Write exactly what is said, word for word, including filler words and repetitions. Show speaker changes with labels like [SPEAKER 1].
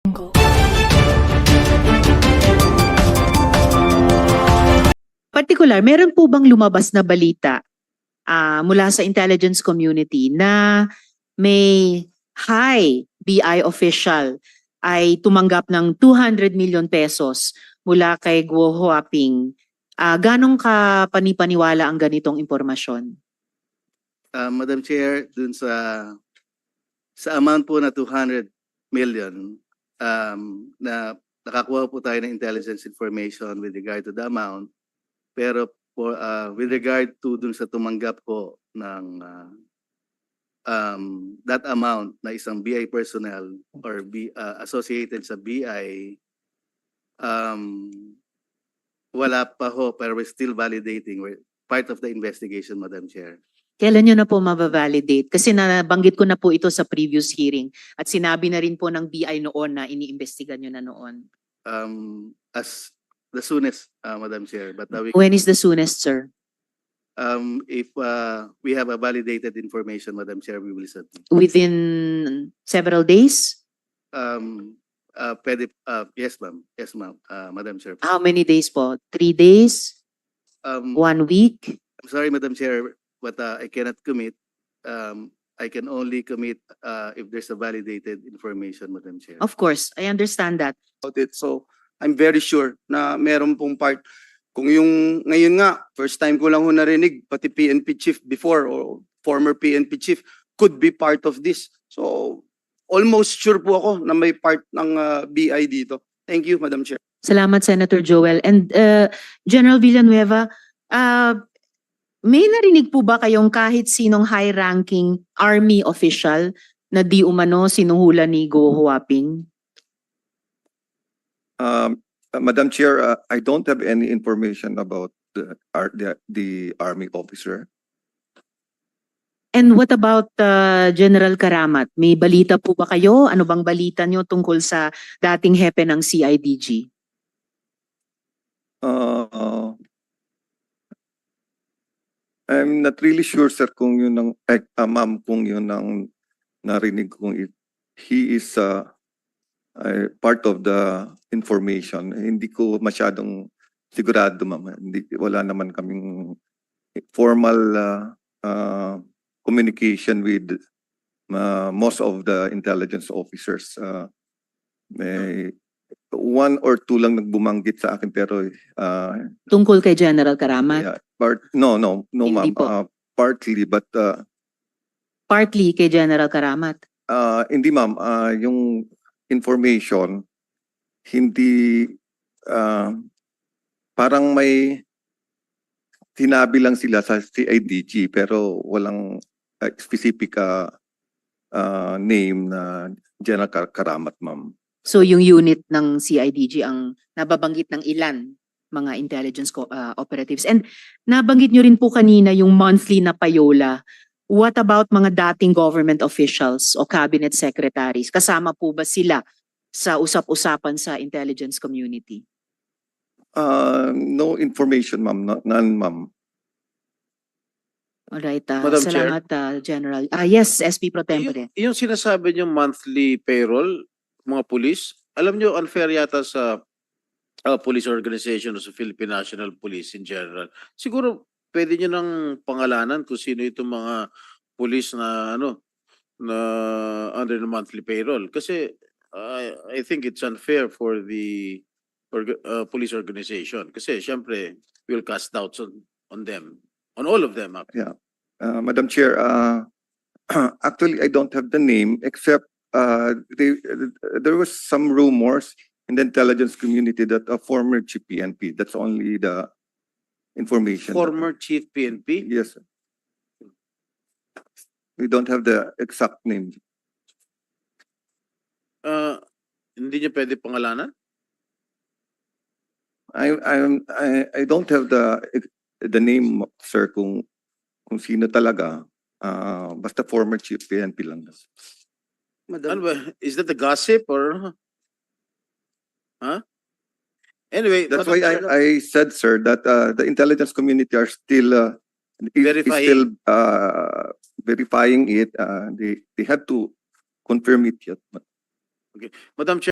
[SPEAKER 1] Particular, meron po bang lumabas na balita ah, mula sa intelligence community na may high B I official ay tumanggap ng two hundred million pesos mula kay Guo Huaping? Ah, ganong ka panipaniwala ang ganitong impormasyon?
[SPEAKER 2] Uh, Madam Chair, dun sa sa amount po na two hundred million, um, na nakakuha po tayo ng intelligence information with regard to the amount, pero for, uh, with regard to dun sa tumanggap po ng uh, um, that amount na isang B I personnel or B, uh, associated sa B I, um, wala pa ho, pero we're still validating. We're part of the investigation, Madam Chair.
[SPEAKER 1] Kailan nyo na po mababalidate? Kasi nabanggit ko na po ito sa previous hearing at sinabi na rin po ng B I noon na iniimbestigan nyo na noon.
[SPEAKER 2] Um, as the soonest, uh, Madam Chair. But uh, we,
[SPEAKER 1] When is the soonest, sir?
[SPEAKER 2] um, if uh, we have a validated information, Madam Chair, we will submit.
[SPEAKER 1] Within several days?
[SPEAKER 2] Um, uh, pwede, uh, yes, ma'am. Yes, ma'am. Uh, Madam Chair.
[SPEAKER 1] How many days po? Three days?
[SPEAKER 2] Um,
[SPEAKER 1] One week?
[SPEAKER 2] I'm sorry, Madam Chair, but uh, I cannot commit. Um, I can only commit uh, if there's a validated information, Madam Chair.
[SPEAKER 1] Of course, I understand that.
[SPEAKER 3] About it. So I'm very sure na meron pong part. Kung yung ngayon nga, first time ko lang ho narinig, pati P N P chief before or former P N P chief could be part of this. So almost sure po ako na may part ng uh, B I dito. Thank you, Madam Chair.
[SPEAKER 1] Salamat, Senator Joel. And uh, General Villanueva, uh, may narinig po ba kayong kahit sinong high-ranking army official na di umano sinuhula ni Guo Huaping?
[SPEAKER 4] Um, uh, Madam Chair, uh, I don't have any information about the, ar- the, the army officer.
[SPEAKER 1] And what about uh, General Karamat? May balita po ba kayo? Ano bang balita nyo tungkol sa dating hepe ng C I D G?
[SPEAKER 4] Uh, uh, I'm not really sure, sir, kung yun ang, eh, uh, ma'am, kung yun ang narinig kong if he is uh, uh, part of the information. Hindi ko masyadong sigurado, ma'am. Hindi, wala naman kaming formal uh, uh, communication with uh, most of the intelligence officers. Uh, may one or two lang nagbumanggit sa akin pero uh,
[SPEAKER 1] Tungkol kay General Karamat?
[SPEAKER 4] yeah, part no no no
[SPEAKER 1] Hindi
[SPEAKER 4] ma'am,
[SPEAKER 1] po.
[SPEAKER 4] uh, partly but uh,
[SPEAKER 1] Partly kay General Karamat.
[SPEAKER 4] uh, hindi ma'am, uh, yung information hindi uh, parang may sinabi lang sila sa C I D G pero walang uh, specific uh, uh, name na General Kar- Karamat, ma'am.
[SPEAKER 1] So yung unit ng C I D G ang nababanggit ng ilan mga intelligence co- uh, operatives. And nabanggit nyo rin po kanina yung monthly na payola. What about mga dating government officials o cabinet secretaries? Kasama po ba sila sa usap-usapan sa intelligence community?
[SPEAKER 4] Uh, no information, ma'am. No, none, ma'am.
[SPEAKER 1] Alright, uh,
[SPEAKER 5] Madam Chair.
[SPEAKER 1] salamat uh, General. Ah yes, S P Pro Tempore.
[SPEAKER 5] Yung, yung sinasabi niyo monthly payroll, mga pulis, alam niyo unfair yata sa uh, police organization o sa Philippine National Police in general. Siguro pwede niyo nang pangalanan kung sino itong mga pulis na ano na under the monthly payroll kasi uh, I think it's unfair for the org- uh, police organization kasi syempre we'll cast doubts on, on them, on all of them actually.
[SPEAKER 4] Uh, Madam Chair, uh, actually, I don't have the name except uh, they, there was some rumors in the intelligence community that a former chief P N P, that's only the information.
[SPEAKER 5] Former Chief P N P.
[SPEAKER 4] Yes. We don't have the exact name.
[SPEAKER 5] Uh, hindi niyo pwede pangalanan?
[SPEAKER 4] I, I'm- I, I don't have the, the name, sir, kung, kung sino talaga. Uh, basta former chief P N P lang.
[SPEAKER 5] Ano ba? Is that a gossip or? Huh? Anyway,
[SPEAKER 4] That's
[SPEAKER 5] Madam
[SPEAKER 4] why I,
[SPEAKER 5] Chair,
[SPEAKER 4] I said, sir, that uh, the intelligence community are still uh, is- is
[SPEAKER 5] Verifying.
[SPEAKER 4] still uh, verifying it. Uh, they they had to confirm it yet.
[SPEAKER 5] Madam Chair.